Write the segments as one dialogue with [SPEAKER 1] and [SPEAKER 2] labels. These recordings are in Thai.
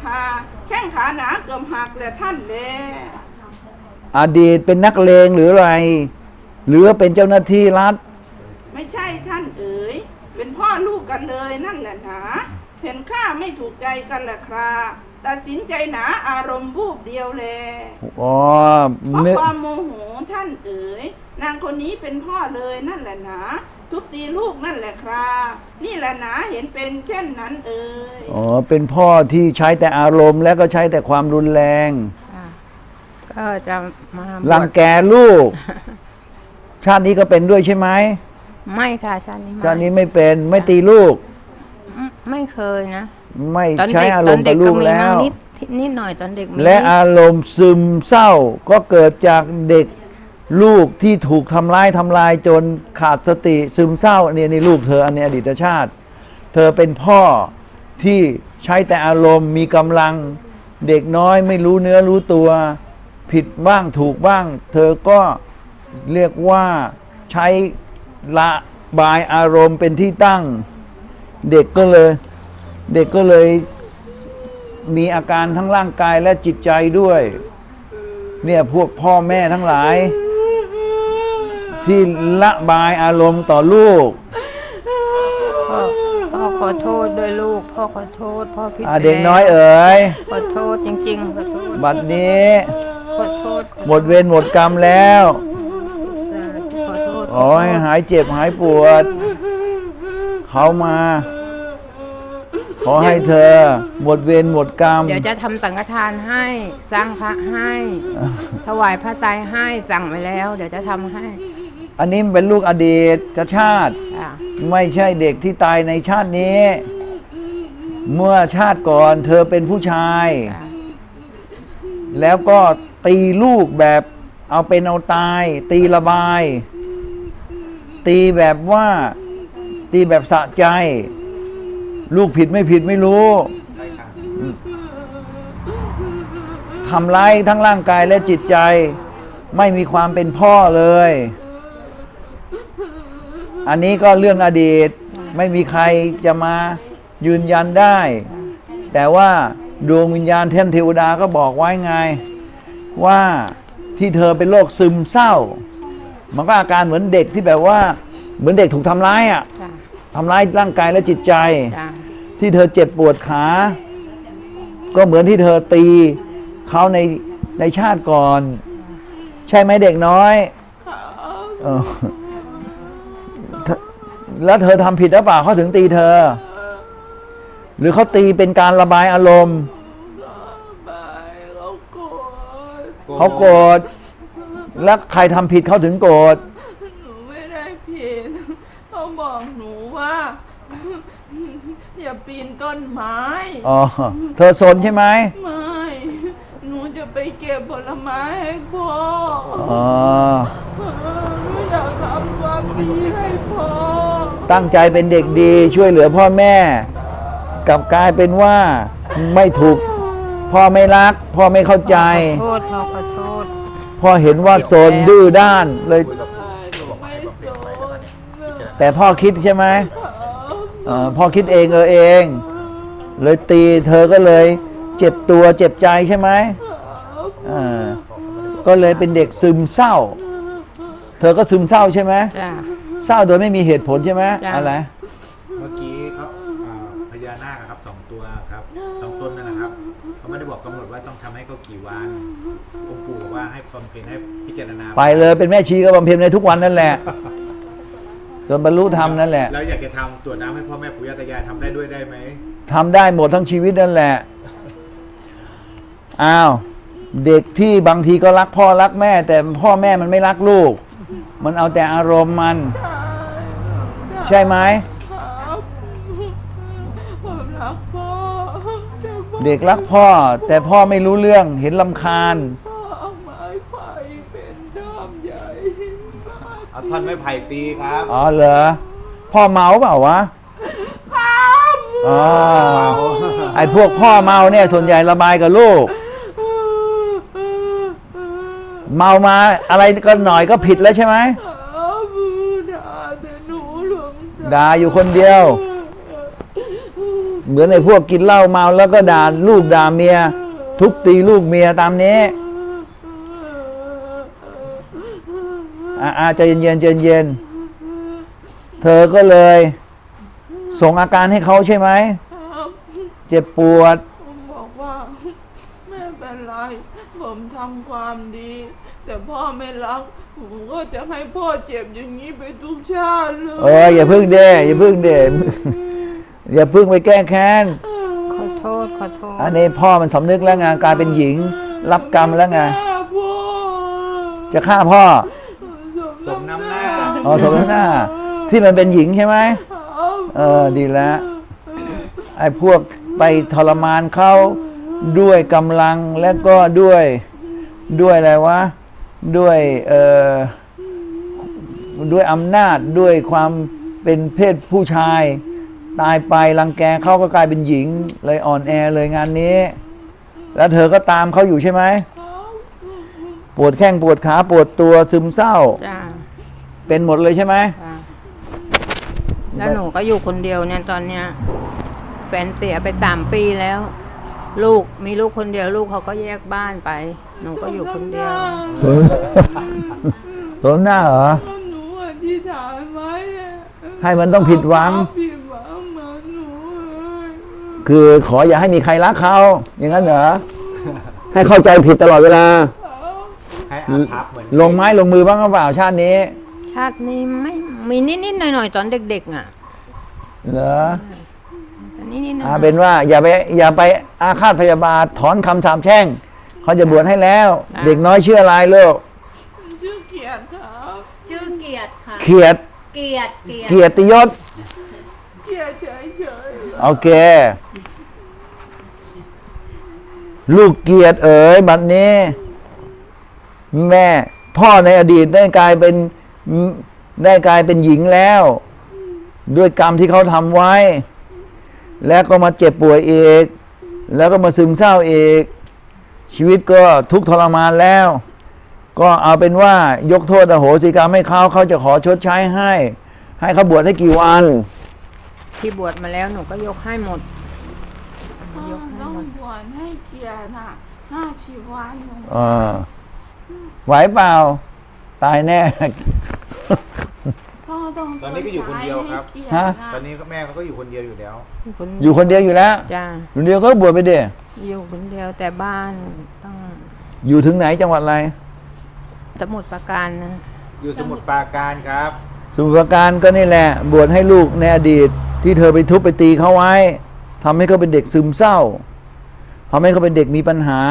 [SPEAKER 1] ค่ะแข้งขาหนาเกือบหักแหละท่านแล
[SPEAKER 2] อดีตเป็นนักเลงหรืออะไรหรือเป็นเจ้าหน้าที่รัฐ
[SPEAKER 1] ไม่ใช่ท่านเอ๋ยเป็นพ่อลูกกันเลยนั่นแหละหนาเห็นข้าไม่ถูกใจกันแหละครับตัดสินใจหนาอารมณ์บูบเดียวแล
[SPEAKER 2] อ๋อ
[SPEAKER 1] เพราะความโมโหท่านเอ๋ยนางคนนี้เป็นพ่อเลยนั่นแหละหนาทุบตีลูกนั่นแหละครับนี่แหละหนาเห็นเป็นเช่นนั้นเอ๋ย
[SPEAKER 2] อ๋อเป็นพ่อที่ใช้แต่อารมณ์และก็ใช้แต่ความรุนแรง
[SPEAKER 3] ก็จะมา
[SPEAKER 2] รังแกลูก ชาตินี้ก็เป็นด้วยใช่ไหม
[SPEAKER 3] ไม่ค่ะชาติ
[SPEAKER 2] นี้ไม่เป็นไม่ตีลูก
[SPEAKER 3] ไม่เคยนะ
[SPEAKER 2] ไม่ใช้อารมณ์กับลูกแล้ว
[SPEAKER 3] นิดหน่อยตอนเด็ก
[SPEAKER 2] และอารมณ์ซึมเศร้าก็เกิดจากเด็กลูกที่ถูกทำลายจนขาดสติซึมเศร้านี่ลูกเธออันนี้อดีตชาติเธอเป็นพ่อที่ใช้แต่อารมณ์มีกำลังเด็กน้อยไม่รู้เนื้อรู้ตัวผิดบ้างถูกบ้างเธอก็เรียกว่าใช้ระบายอารมณ์เป็นที่ตั้งเด็กก็เลยมีอาการทั้งร่างกายและจิตใจด้วยเนี่ยพวกพ่อแม่ทั้งหลายที่ระบายอารมณ์ต่อลูก
[SPEAKER 3] พ่อขอโทษด้วยลูกพ่อขอโทษพ่อผิด
[SPEAKER 2] เด็กน้อยเอ๋ย
[SPEAKER 3] ขอโทษจริงๆขอโทษ
[SPEAKER 2] บัดนี้
[SPEAKER 3] ขอโทษ
[SPEAKER 2] หมดเวรหมดกรรมแล้วขอให้หายเจ็บหายปวดเขามาขอให้เธอหมดเวรหมดกรรม
[SPEAKER 3] เดี๋ยวจะทำสังฆทานให้สร้างพระให้ถวายพระไตรให้สั่งไว้แล้วเดี๋ยวจะทำให้
[SPEAKER 2] อันนี้เป็นลูกอดีตชาติไม่ใช่เด็กที่ตายในชาตินี้เมื่อชาติก่อนเธอเป็นผู้ชายแล้วก็ตีลูกแบบเอาเป็นเอาตายตีระบายตีแบบว่าตีแบบสะใจลูกผิดไม่ผิดไม่รู้ทำร้ายทั้งร่างกายและจิตใจไม่มีความเป็นพ่อเลยอันนี้ก็เรื่องอดีตไม่มีใครจะมายืนยันได้แต่ว่าดวงวิญญาณเทพเทวดาก็บอกไว้ไงว่าที่เธอเป็นโรคซึมเศร้ามันก็อาการเหมือนเด็กที่แบบว่าเหมือนเด็กถูกทำร้ายทำร้ายร่างกายและจิตใจที่เธอเจ็บปวดขาก็เหมือนที่เธอตีเขาในชาติก่อนใช่ไหมเด็กน้อยแล้วเธอทำผิดหรือเปล่าเขาถึงตีเธอหรือเขาตีเป็นการระบายอารมณ์เขาโกรธแล้วใครทำผิดเขาถึงโกรธ
[SPEAKER 1] หนูไม่ได้ผิดเขาบอกหนูว่าอย่าปีนต้นไม้
[SPEAKER 2] เธอสนใช่ไหม
[SPEAKER 1] ไม่หนูจะไปเก็บผลไม้ให้พ่อหนูอยากทำความดีให้พ่อ
[SPEAKER 2] ตั้งใจเป็นเด็กดีช่วยเหลือพ่อแม่กลับกลายเป็นว่าไม่ถูกพ่อไม่รักพ่อไม่เข้าใจ
[SPEAKER 3] พ่อขอโทษ
[SPEAKER 2] พ่อเห็นว่าโซนดื้อด้านเลยแต่พ่อคิดใช่ไหมพ่อคิดเองเลยตีเธอก็เลยเจ็บตัวเจ็บใจใช่ไหมก็เลยเป็นเด็กซึมเศร้าเธอก็ซึมเศร้าใช่ไหมเศร้าโดยไม่มีเหตุผลใช่ไหมอะไร
[SPEAKER 4] เมื่อกี้เขาพญานาคครับ2 ตัวครับ2 ตนนั่นนะครับเขาไม่ได้บอกกำหนดว่าต้องทำให้เขากี่วันองค์ปู่บอกว่าให้บำเพ็ญให้พิจารณา
[SPEAKER 2] ไปเลยเป็นแม่ชีก็บำเพ็ญในทุกวันนั่นแหละจนบรรลุธรรมนั่นแหละ
[SPEAKER 4] แล้วอยากจะทำตรวจน้ำให้พ่อแม่ปู่ย่าตายายทำได้ด้วยได้ไหม
[SPEAKER 2] ทำได้หมดทั้งชีวิตนั่นแหละอ้าวเด็กที่บางทีก็รักพ่อรักแม่แต่พ่อแม่มันไม่รักลูกมันเอาแต่อารมณ์มันใช่ไหมเด็กรักพ่อแต่พ่อไม่รู้เรื่องเห็นรำคาญ
[SPEAKER 4] เอาท่อนไม้ไผ่ตีครับ
[SPEAKER 2] เหรอพ่อเมาเปล่าวะไอ้พวกพ่อเมาเนี่ยส่วนใหญ่ระบายกับลูกเมามาอะไรก็หน่อยก็ผิดแล้วใช่ไหมด่าอยู่คนเดียวเหมือนในพวกกินเหล้าเมาแล้วก็ด่าลูกด่าเมีย ทุบตีลูกเมียตามนี้ใจเย็นๆใจเย็นเธอก็เลยส่งอาการให้เขาใช่ไหม
[SPEAKER 1] ครับ
[SPEAKER 2] เจ็บปวด
[SPEAKER 1] ผมบอกว่าไม่เป็นไรผมทำความดี แต่พ่อไม่รักผมก็จะให้พ่อเจ็บอย่างนี้ไปทุกชาติเลย
[SPEAKER 2] อย่าพึ่งเด้อย่าพึ่งเด้ อย่าพึ่งไปแก้แค้น
[SPEAKER 3] ขอโทษขอโทษ
[SPEAKER 2] อันนี้พ่อมันสำนึกแล้วไงกลายเป็นหญิง รับกรรมแล้วไง
[SPEAKER 1] พ่อ
[SPEAKER 2] จะฆ่าพ่อ
[SPEAKER 4] สมน้ำหน้า
[SPEAKER 2] สมน้ำหน้า ที่มันเป็นหญิงใช่ไหมดีแล้ว ไอ้พวกไปทรมานเขาด้วยกำลังและก็ด้วยอะไรวะ ด้วยอำนาจด้วยความเป็นเพศผู้ชาย ตายไปรังแกเขาก็กลายเป็นหญิงเลยอ่อนแอเลยงานนี้ แล้วเธอก็ตามเขาอยู่ใช่ไหม ปวดแข้งปวดขาปวดตัวซึมเศร้า
[SPEAKER 3] จ้า
[SPEAKER 2] เป็นหมดเลยใช่ไหม
[SPEAKER 3] จ้าแล้วหนูก็อยู่คนเดียวเนี่ยตอนเนี้ยแฟนเสียไป3 ปีแล้ว ลูกมีลูกคนเดียวลูกเขาก็แยกบ้านไป หนูก็อยู่คนเดียว
[SPEAKER 2] สมหน้าเหรอ
[SPEAKER 1] หนูอธิษฐานไว้อะ
[SPEAKER 2] ให้มันต้องผิดหวัง
[SPEAKER 1] ผิดหวังเหมือนหนูเลย
[SPEAKER 2] คือขออย่าให้มีใครรักเขา อย่างนั้นเหรอ ให้เข้าใจผิดตลอดเวลา
[SPEAKER 4] ให้อาภัพเหมือน
[SPEAKER 2] ลงไม้ลงมือบ้างหรือเปล่าชาตินี้
[SPEAKER 3] ชาตินี้ไม่มีนิดๆหน่อยๆตอนเด็กๆอ่ะ
[SPEAKER 2] เหรอ
[SPEAKER 3] แต่นิดๆหน่อยๆ
[SPEAKER 2] เป็นว่าอย่าไปอาฆาตพยาบาทถอนคำสาปแช่งเขาจะบวชให้แล้ว เด็กน้อยชื่ออะไรลูก
[SPEAKER 1] ชื่อเกียรติครับ
[SPEAKER 5] ชื่อเกียรติค่ะ
[SPEAKER 2] เขียด
[SPEAKER 5] เกียรติ
[SPEAKER 2] เกียรติยศ
[SPEAKER 1] เกียรติเฉย
[SPEAKER 2] โอเค ลูกเกียรติเอ๋ยบัดนี้ แม่พ่อในอดีตได้กลายเป็นหญิงแล้ว ด้วยกรรมที่เขาทำไว้ แล้วก็มาเจ็บป่วยอีก แล้วก็มาซึมเศร้าอีก ชีวิตก็ทุกข์ทรมานแล้ว ก็เอาเป็นว่ายกโทษอโหสิกรรมให้เขาจะขอชดใช้ให้เขาบวชให้กี่วัน
[SPEAKER 3] ที่บวชมาแล้วหนูก็ยกให้หมด
[SPEAKER 1] ๆพ่อต้องบวชให้เกียรติน่ะ50 วันหนู
[SPEAKER 2] ไหวเปล่า ตายแน่
[SPEAKER 1] พ่อต้อง
[SPEAKER 4] ตอนนี้ก็อยู่คนเดียวครับ
[SPEAKER 1] ชดใช้ให้เกียรติ
[SPEAKER 2] ฮะ
[SPEAKER 1] น่ะ
[SPEAKER 4] ตอนนี้ก็แม่เขาก็อยู่คนเดียวอยู่แล้ว
[SPEAKER 2] อยู่คนเดียวอยู่แล้ว
[SPEAKER 3] จ้า
[SPEAKER 2] คนเดียวก็บวชไปเด้
[SPEAKER 3] อยู่คนเดียวแต่บ้านต้อง
[SPEAKER 2] อยู่ถึงไหนจังหวัดอะไร
[SPEAKER 3] สมุดประการนะ
[SPEAKER 4] อยู่สมุทรปราการครับ
[SPEAKER 2] สมุทรปราการก็นี่แหละ บวชให้ลูกในอดีต ที่เธอไปทุบไปตีเขาไว้ทำให้เขาเป็นเด็กซึมเศร้าทำให้เขาเป็นเด็กมีปัญหา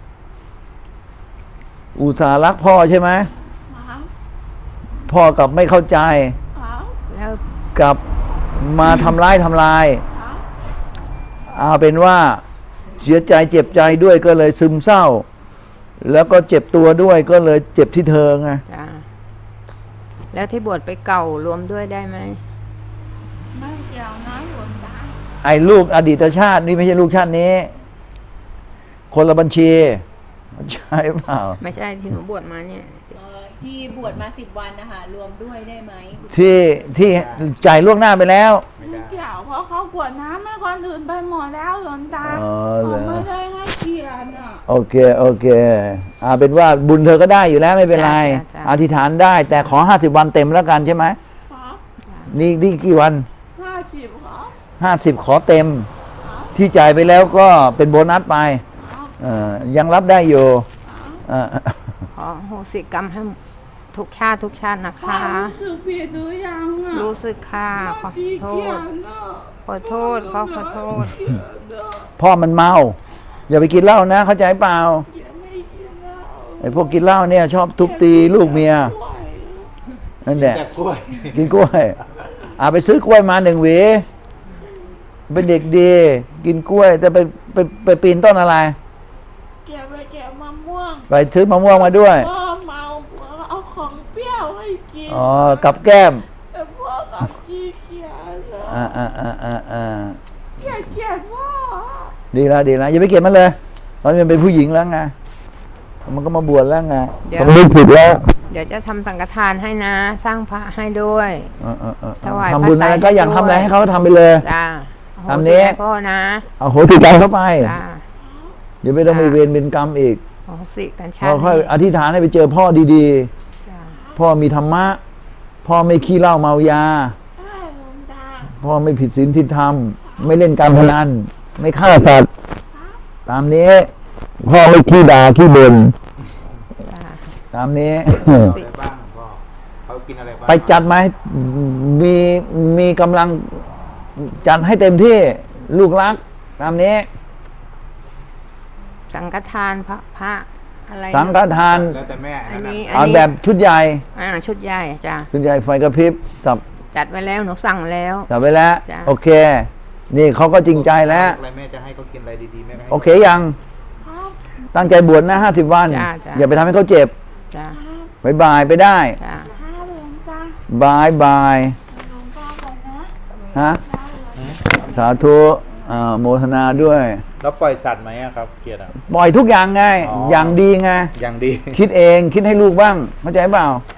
[SPEAKER 2] อุตส่าห์รักพ่อใช่ไหม
[SPEAKER 1] ครับ
[SPEAKER 2] พ่อกลับไม่เข้าใจ
[SPEAKER 1] ครับ
[SPEAKER 3] แล้ว
[SPEAKER 2] กลับมาทำลาย
[SPEAKER 1] ครับ
[SPEAKER 2] เอาเป็นว่าเสียใจเจ็บใจด้วยก็เลยซึมเศร้า แล้วก็เจ็บตัวด้วยก็เลยเจ็บที่เธอไง
[SPEAKER 3] จ้าแล้วที่บวชไปเก่ารวมด้วยได้ไหม
[SPEAKER 1] ไม่เกี่ยวนะหลวงตา
[SPEAKER 2] ไอ้ลูกอดีตชาตินี่ไม่ใช่ลูกชาตินี้ คนละบัญชีใช่เปล่า
[SPEAKER 3] ไม่ใช่ที่หนูบวชมาเนี่ย
[SPEAKER 5] ที่บวชมา10 วันนะคะรวมด้วยได้ไหม
[SPEAKER 2] ที่จ่ายล่วงหน้าไปแล้ว
[SPEAKER 4] ไม่
[SPEAKER 1] ไม่
[SPEAKER 4] ได้
[SPEAKER 1] เกี่ยวเพราะเขากวดน้ำให้คนอื่นไปหมดแล้วหลวงตา
[SPEAKER 2] อ๋อเหรอ
[SPEAKER 1] ผมไม่ได้ให้เกียรติอ่ะ
[SPEAKER 2] โอเคเป็นว่าบุญเธอก็ได้อยู่แล้วไม่เป็นไร
[SPEAKER 3] จ้ะ
[SPEAKER 2] อธิษฐานได้ แต่ขอ50 วันเต็มแล้วกันใช่ไหม
[SPEAKER 1] ครับ
[SPEAKER 2] นี่กี่วัน
[SPEAKER 1] 50ครับ
[SPEAKER 2] 50ขอเต็ม ที่จ่ายไปแล้วก็เป็นโบนัสไป
[SPEAKER 1] ครับ
[SPEAKER 2] ยังรับได้อยู่
[SPEAKER 1] ครับ
[SPEAKER 3] ขอโหสิกรรมให้ทุกชาตินะ
[SPEAKER 1] พ่อ
[SPEAKER 3] คะ
[SPEAKER 1] รู้สึกผิดหรือยังอ่ะ
[SPEAKER 3] รู้สึกค่ะขอ
[SPEAKER 1] ตี
[SPEAKER 3] โท
[SPEAKER 1] เกีย
[SPEAKER 3] ษ
[SPEAKER 1] รติอ่ะ
[SPEAKER 3] ขอโทษขอโทษ
[SPEAKER 1] เกียรติอ่ะ
[SPEAKER 2] พ่อมันเมา อย่าไปกินเหล้านะ เข้าใจเปล่า
[SPEAKER 1] เกียรติไม่กินแล้ว
[SPEAKER 2] ไอ้พวกกินเหล้าเนี่ยชอบทุบตีลูกเมีย
[SPEAKER 1] ด้วย
[SPEAKER 2] นั่นแหละ
[SPEAKER 4] แต่กล้วย
[SPEAKER 2] กินกล้วยไปซื้อกล้วยมา1 หวี เป็นเด็กดี กินกล้วย แต่ไปปีนต้นอะไร
[SPEAKER 1] เกียรติไปแกะมะม่วง
[SPEAKER 2] ไปซื้อมะม่วงมาด้วย
[SPEAKER 1] พ่อเมาพ่อเอาของเปรี้ยวให้กิน
[SPEAKER 2] กับแก้ม
[SPEAKER 1] แต่พ่อกับขี้เกียจอ่ะ เกลียดพ่อ
[SPEAKER 2] ดีแล้วอย่าไปเกลียดมันเลยตอนนี้มันเป็นผู้หญิงแล้วไงมันก็มาบวชแล้วไง
[SPEAKER 3] เดี๋ยว
[SPEAKER 2] สำนึกผิดแล้ว
[SPEAKER 3] เดี๋ยวจะทำสังฆทานให้นะ สร้างพระให้ด้วย ถวาย
[SPEAKER 2] ทำบุญอะไร
[SPEAKER 3] พระไตร
[SPEAKER 2] ก็อยากทำอะไรให้เขาทำไปเลย
[SPEAKER 3] จ้า
[SPEAKER 1] อ
[SPEAKER 2] ตามนี้
[SPEAKER 3] พ่อนะ
[SPEAKER 2] เอาโหติดใจเข้าไป
[SPEAKER 3] จ้า
[SPEAKER 2] เดี๋ยวไม่ต้องมีเวรเป็นกรรมอีก
[SPEAKER 3] โอ้สิกันชา
[SPEAKER 2] เรา
[SPEAKER 3] ติ
[SPEAKER 2] ค่อย
[SPEAKER 3] นี้
[SPEAKER 2] อธิษฐานให้ไปเจอพ่อดี
[SPEAKER 3] จ้า
[SPEAKER 2] ๆ พ่อมีธรรมะ พ่อไม่ขี้เหล้าเมายา พ่อไม่ผิดศีลที่ธรรม ไม่เล่นการพนัน ไม่ฆ่าสัตว์ ตามนี้ พ่อไม่ขี้ด่าขี้บ่น
[SPEAKER 3] จ้า
[SPEAKER 2] ตามนี้
[SPEAKER 4] อะไรบ้างพ่อเขากินอะไรบ้าง
[SPEAKER 2] ไปจัดมาให้มีกำลังจัดให้เต็มที่ลูกรัก ตามนี้
[SPEAKER 3] สังฆทานพระอะไร
[SPEAKER 2] สังฆทาน
[SPEAKER 4] แล้วแต่แม่
[SPEAKER 3] อัน
[SPEAKER 4] นั้น
[SPEAKER 3] นี้
[SPEAKER 4] น่ะ
[SPEAKER 2] เอาแบบชุดใหญ่
[SPEAKER 3] ชุดใหญ่จ้า
[SPEAKER 2] ชุดใหญ่ไฟกระพริบสับ
[SPEAKER 3] จัดไว้แล้วหนูสั่งแล้ว
[SPEAKER 2] จับไว้แล้ว
[SPEAKER 3] จ้ะ
[SPEAKER 2] โอเค นี่เขาก็จริงใจแล้ว
[SPEAKER 4] อะไรแม่จะให้เขากินอะไรดีๆแม่ก็ให้
[SPEAKER 2] โอเคยัง ตั้งใจบวชนะ50 วัน
[SPEAKER 3] จ้ะจ้ะ
[SPEAKER 2] อย่าไปทำให้เขาเจ็บ
[SPEAKER 3] จ้า
[SPEAKER 2] บายบายไปได้
[SPEAKER 3] จ้า
[SPEAKER 2] บายบายฮะสาธุโมทนาด้วย
[SPEAKER 4] แล้วปล่อยสัตว์ไหมอะครับเกียรติอะ
[SPEAKER 2] ปล่อยทุกอย่างไง
[SPEAKER 4] อ๋อ
[SPEAKER 2] อย่างดีไง
[SPEAKER 4] อย่างดี
[SPEAKER 2] คิดเองคิดให้ลูกบ้าง เข้าใจเปล่า